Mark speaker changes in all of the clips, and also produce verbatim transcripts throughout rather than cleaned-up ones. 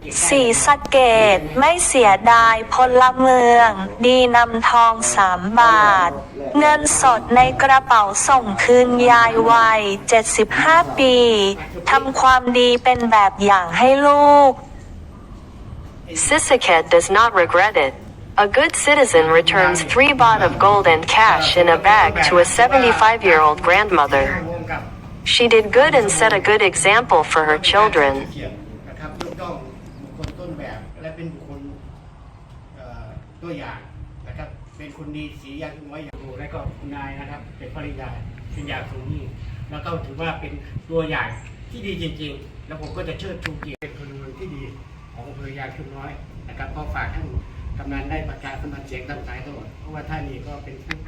Speaker 1: ศรีสะเกษไม่เสียดายพลเมือง ดีนำทองสามบาท เงินสดในกระเป๋าส่งคืนยายวัยเจ็ดสิบห้าปีทำความดีเป็นแบบอย่างให้ลูก
Speaker 2: Sisaket does not regret it. A good citizen returns three baht of gold and cash in a bag to a seventy-five-year-old grandmother. She did good and set a good example for her children.
Speaker 3: นะครับยกย่องบุคคลต้นแบบและเป็นบุคคลตัวอย่างนะครับเป็นคนดีสียางน้อยอย่างดูและก็คุณนายนะครับเป็นภริยาเป็นอย่างสูงยิ่งแล้วก็ถือว่าเป็นตัวอย่างที่ดีจริงๆแล้วผมก็จะเชิดชูเกียรติเป็นพลเมืองที่ดีของอำเภอยางชุมน้อยนะครับก็ฝากท่านกำนันได้ประกาศสมัครเสียงตามสายตลอดเพราะว่าท่านนี้ก็เป็นผู้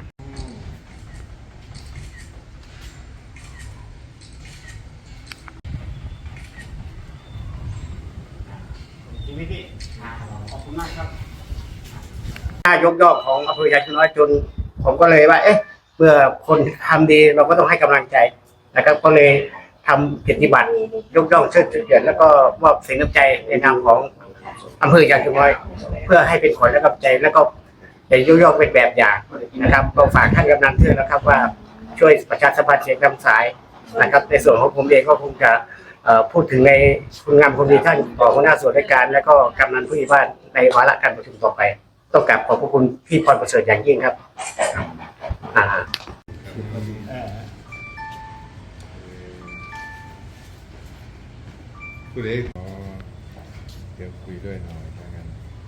Speaker 3: จริงไหมพี่ขอบคุณมากครับถ้ายกย่องของอำเภอยางชุมน้อยจนผมก็เลยว่าเอ๊ะเมื่อคนทำดีเราก็ต้องให้กำลังใจนะครับก็เลยทำกิจบัตรยกย่องเชิดชูเกียรติแล้วก็มอบสิ่งน้ำใจในนามของอำเภอยางชุมน้อยเพื่อให้เป็นขวัญและกำลังใจแล้วก็จะยกย่องเป็นแบบอย่างนะครับก็ฝากท่านกำนันเพื่อนนะครับว่าช่วยประชาสัมพันธ์เสียงตามสายนะครับในส่วนของผมเองก็คงจะพูดถึงในคุณงามความดีท่านของหัวหน้าส่วนราชการและก็กำนันผู้ใหญ่บ้านในวาระการประชุมต่อไปต้องกราบขอบพระคุณพี่พรประเสริฐอย่างยิ่งครับอ่า
Speaker 4: คุณเอกขอเดี๋ยวคุยด้วยหน่อยกัน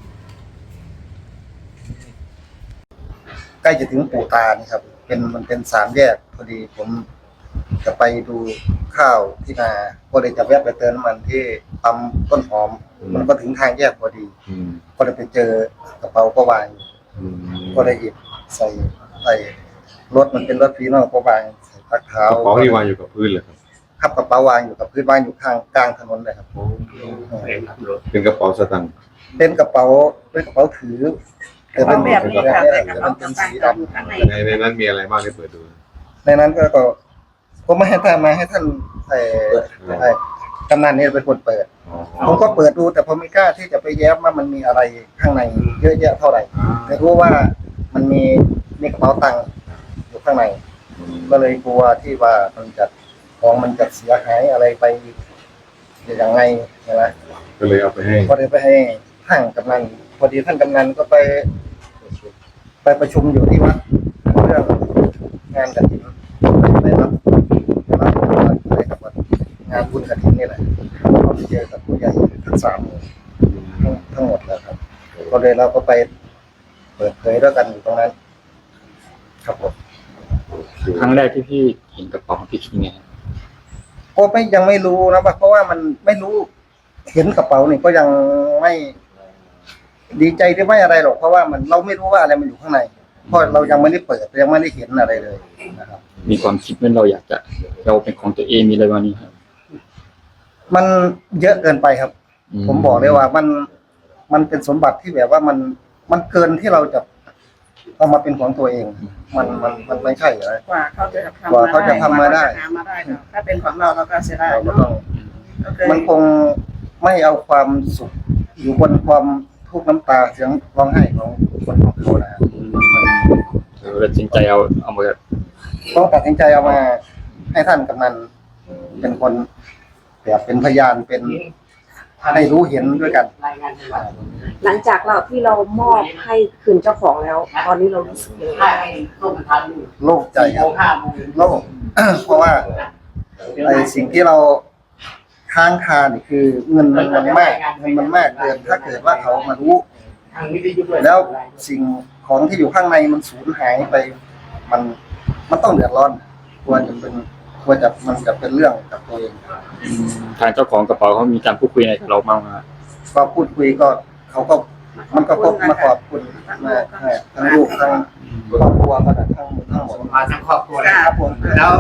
Speaker 5: ใกล้จะถึงปู่ตานี่ครับเป็นมันเป็นสามแยกพอดีผมจะไปดูข้าวที่นาก็เลยจะแวะไปเติมน้ำมันที่ปั๊มต้นหอมมันก็ถึงทางแยกพอดีก็เลยไปเจอกระเป๋าก็วางก็เลยหยิบใส่ใส่รถมันเป็นรถฟีโน่ก็วางใส่ตักเท้าก
Speaker 4: ระเป๋าที่วางอยู่กับพื้นเลยครับ
Speaker 5: ครับกระเป๋าวางอยู่กับพื้นวางอยู่ข้างกลางถนนเลยครับ
Speaker 4: เป็นกระเป๋าสตางค์
Speaker 5: เป็นกระเป๋าเป็นกระเป๋าถือแต่เป็นแบบนี้ครับมันเป็นสีดำ
Speaker 4: ในในนั้นมีอะไรบ้างที่เปิดดู
Speaker 5: ในนั้นก็ก็ผมไม่ให้ท่านมาให้ท่านไอ้ไอ้กำนันนี่เป็นคนเปิดผมก็เปิดดูแต่ผมไม่กล้าที่จะไปแย้มว่ามันมีอะไรข้างในเยอะแยะเท่าไหร่แต่รู้ว่ามันมีมีกระเป๋าตังค์อยู่ข้างในก็เลยกลัวที่ว่ามันจะของมันจะเสียหายอะไรไปอย่างไงนะ
Speaker 4: ก็เลยเอาไปให้
Speaker 5: ก็เลยไปให้ท่านกำนันพอดีท่านกำนันก็ไปไปประชุมอยู่ที่วัดเรื่องงานกฐินไปรับไปรับอะไรกับวัดงานบุญกฐินนี่แหละก็ไปเจอกับผู้ใหญ่ทั้งสามทั้งทั้งหมดแล้วครับก็เลยเราก็ไปเปิดเผยด้วยกันอยู่ตรงนั้นครับผม
Speaker 6: ครั้งแรกที่พี่เห็นกระเป๋าของพี่คิดไง
Speaker 5: ก็ไม่ยังไม่รู้นะเพราะว่ามันไม่รู้เห็นกระเป๋านี่ก็ยังไม่ดีใจที่ไม่อะไรหรอกเพราะว่ามันเราไม่รู้ว่าอะไรมันอยู่ข้างในเพราะเรายังไม่ได้เปิดยังไม่ได้เห็นอะไรเลยนะครับ
Speaker 6: มีความคิดว่าเราอยากจะเราเป็นของตัวเองมีอะไรวันนี้ครับ
Speaker 5: มันเยอะเกินไปครับ ผมบอกเลยว่ามันมันเป็นสมบัติที่แบบว่ามันมันเกินที่เราจะเอามาเป็นของตัวเองมันมันมันไม่ใช่เลย
Speaker 7: กว่าเขาจะทำ
Speaker 5: กว่าเขาจะทำมาได้
Speaker 7: ถ้าเป็นของเราเราก็เสียดาย
Speaker 5: เนาะมันคงไม่เอาความสุขอยู่บนความทุกข์น้ำตาเสียงร้องไห้ของคนของเขานะ
Speaker 6: เราตัดสินใจเอาเอามา
Speaker 5: ต้องตัดสินใจเอามาให้ท่านกำนันเป็นคนแบบเป็นพยานเป็นให้รู้เห็นด้วยกัน
Speaker 7: หลังจากเราที่เรามอบให้คืนเจ้าของแล้วตอนนี้เรารู้สึกยังไง
Speaker 5: โล่งใจครับโล่งเพราะว่าไอ้สิ่งที่เราค้างคานี่คือเงินมันมันมากเงินมันมากเกินถ้าเกิดว่าเขามารู้แล้วสิ่งของที่อยู่ข้างในมันสูญหายไปมันมันต้องเดือดร้อนควรจะเป็นควรจะมันจะเป็นเรื่องกับตัวเอง
Speaker 6: ทางเจ้าของกระเป๋าเขามีการพูดคุยอะไรกับเราบ้างไหม
Speaker 5: ก็พูดคุยก็เขาก็มันก็พบมาขอบคุณมาทั้งลูกทั้งครอบครัวก็ทั้งทั้งหมด
Speaker 3: มาทั้งครอบครัวนะครับผมแล้ว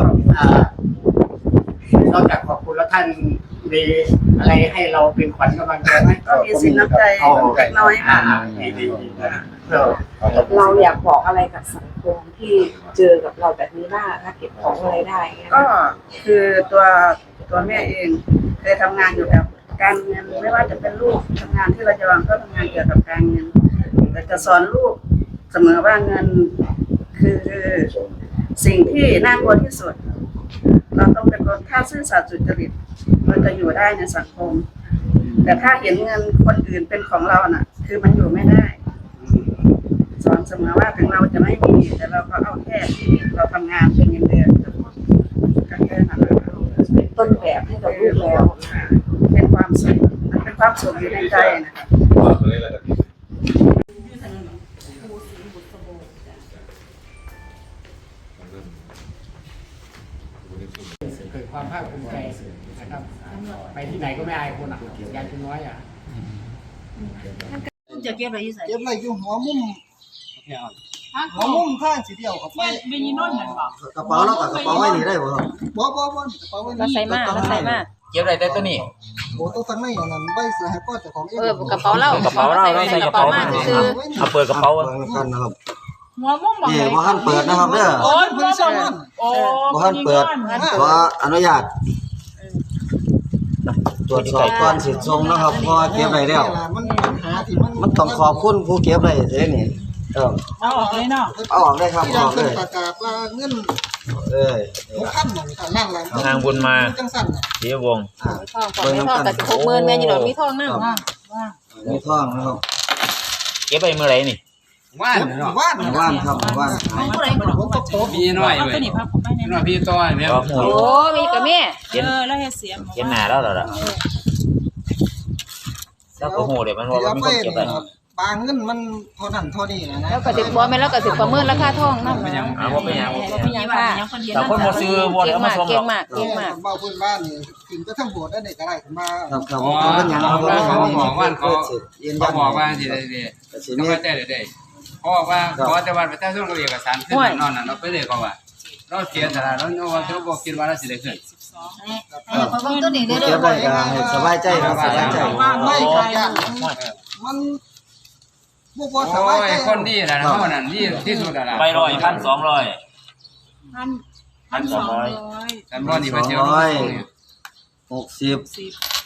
Speaker 3: นอกจากขอบคุณแล้วท่านมีอะไรให้เราเป็นขวัญกำลังใจไหม
Speaker 7: ก็มีสินน้ำใจเล็กน้อยค่ะเราอยากบอกอะไรกับสังคมที่เจอกับเราแบบนี้บ้างถ้าเก็บของอะไรได้ก็คือตัวตัวแม่เองเคยทำงานอยู่แถว
Speaker 8: การเงินไม่ว่าจะเป็นลูกทำงานที่เราจะวางก็ทำงานเกี่ยวกับการเงินแต่จะสอนลูกเสมอว่าเงินคือสิ่งที่น่ากลัวที่สุดเราต้องเป็นคนถ้าซื่อสัตย์สุจริตเราจะอยู่ได้ในสังคมแต่ถ้าเห็นเงินคนอื่นเป็นของเราน่ะ คือมันอยู่ไม่ได้สอนเสมอว่าถึงเราจะไม่มีแต่เราก็เอาแค่ที่เราทำงานเป็นเงินเดือนก็แค่นั้นเป็นต้นแบบให้กับลูกแล้วเป็นความสุขเป็นความสุขอยู่ในใจนะคะ
Speaker 3: เกิดความภาคภูมิใจนะครับไปที่ไหนก็ไม่อายคนอ่ะยายคุณน้อยอ่ะ
Speaker 8: จะเก็บอะไรอยู่ใส่
Speaker 5: เก็บไว้อยู่หัวมุมหัวมุมข้างสีเดียวครับไป
Speaker 8: เป็นยีนนท์นั่นบ่
Speaker 5: กระเป๋าแล้วกับกระเป๋าไว้นี่ได้บ่ครับบ่บ่บ่กระเป๋าไว้นี่
Speaker 9: เราใส่มากเราใส่มาก
Speaker 10: เก็บอะไรได้ตัวนี้
Speaker 5: โอ้ต้องทั้งในอันนั้นไว้เสื้อให้พ่อเจ้าของเอง
Speaker 9: เออกระเป๋าเรา
Speaker 10: กระเป๋าเราเราใส่กระเป๋ามากซื้อเอาเปิดกระเป๋า
Speaker 5: กันนะครับ
Speaker 8: หัวมุมบ่
Speaker 5: นี่บ่ทันเปิดนะครับเด้อ
Speaker 8: โอ้ยหัวมุมโอ้
Speaker 5: บ่ทันเปิดขออนุญาตตรวจสอบก่อนสิส่งนะครับเพราะว่าเก็บไว้แล้วมันต้องขอบคุณผู้เก็บไว้เด้นี่เออ
Speaker 8: เอาออกเลยเนาะ
Speaker 5: เอาออกได้ครับออกเลย
Speaker 11: ประกาศว่าเงิน
Speaker 5: เอ้ย
Speaker 11: หกพันหนึ่งพันนั่นแหละ
Speaker 10: ทางบุญมา
Speaker 11: จังสั่นน่ะ
Speaker 10: เสียวง
Speaker 5: อ่า
Speaker 9: ทองก่อนไม่ทองแต่สิบหกหมื่นแม่อยู่ดอกมีทองนั่ง
Speaker 5: มีท่องนะครับ
Speaker 10: เก็บไปเมื่อไหร่นี่
Speaker 3: ว่านเนาะ
Speaker 11: ว่าน
Speaker 5: ว่านครับว่าน
Speaker 9: ผู้ใดบ่ดอก
Speaker 11: ผมก็โต
Speaker 3: มีน้อยเว้ยมีน้อยพี่ต้อยเนี่ย
Speaker 10: ก็หู
Speaker 9: โอ้มีกับแม่
Speaker 10: เห็น
Speaker 8: แล้วเฮ็ดเสียง
Speaker 10: เห็นหน้าแล้วเหรอล่ะแล้วก็หูเดี๋ยวมันว่ามันมีคนเก็บได้
Speaker 11: บางเงินมันเท่านั้นเท่านี้นะนะ
Speaker 9: แล้วก็สิบ่แม่นแล้วก็สิประเมินราคาทองนำนะ
Speaker 10: อ้าวว่าเป็นหยัง
Speaker 9: บ่เป็นหยังค่ะ
Speaker 10: แต่คนบ่ซื้อบ่ได้
Speaker 9: เก่ง
Speaker 10: เอามาม
Speaker 9: าก
Speaker 10: ส่งหร
Speaker 9: เก่
Speaker 10: อง ก
Speaker 9: มากเก่งมาก
Speaker 11: เบาพื้นบ้านนี่ถึงจะทั้งโบสถ์ได้เด็กอะไรขึ้นมา
Speaker 5: ครับครับเขาเป็นหยังครับ
Speaker 3: เขาบอกว่าเขา
Speaker 5: ยืนยั
Speaker 3: เขา
Speaker 5: น
Speaker 3: บอกว่าสิได้ดี
Speaker 5: สิ
Speaker 3: เขา
Speaker 5: นี้
Speaker 3: ไม่ได้เลยเขาบอกว่าขอแต่วันประชาชนกับเอกสารขึ้นนอนน่ะเราไปเลยเขาว่าเราเสียสละเราเราเราบอกคิดว่าเราสิได้ขึ้น
Speaker 9: เพราะว่าตัวนี้เด้อ
Speaker 5: เก็บได้ก็ให้สบายใจครับสบายใจ
Speaker 11: ไม่ขายอย่างมันบ่บ่ส
Speaker 3: โอ้
Speaker 11: บาย
Speaker 3: ย
Speaker 11: ใจ
Speaker 3: คนดีนะเขานั่นดีที่สุดแล้ว
Speaker 10: ไปร้อยพันสองร้อย
Speaker 8: พัน
Speaker 10: พันสองร้อย
Speaker 3: แต่บ่นี่
Speaker 5: ส
Speaker 3: ไป
Speaker 5: อง
Speaker 3: เจอ
Speaker 5: ร้อยหกสิบ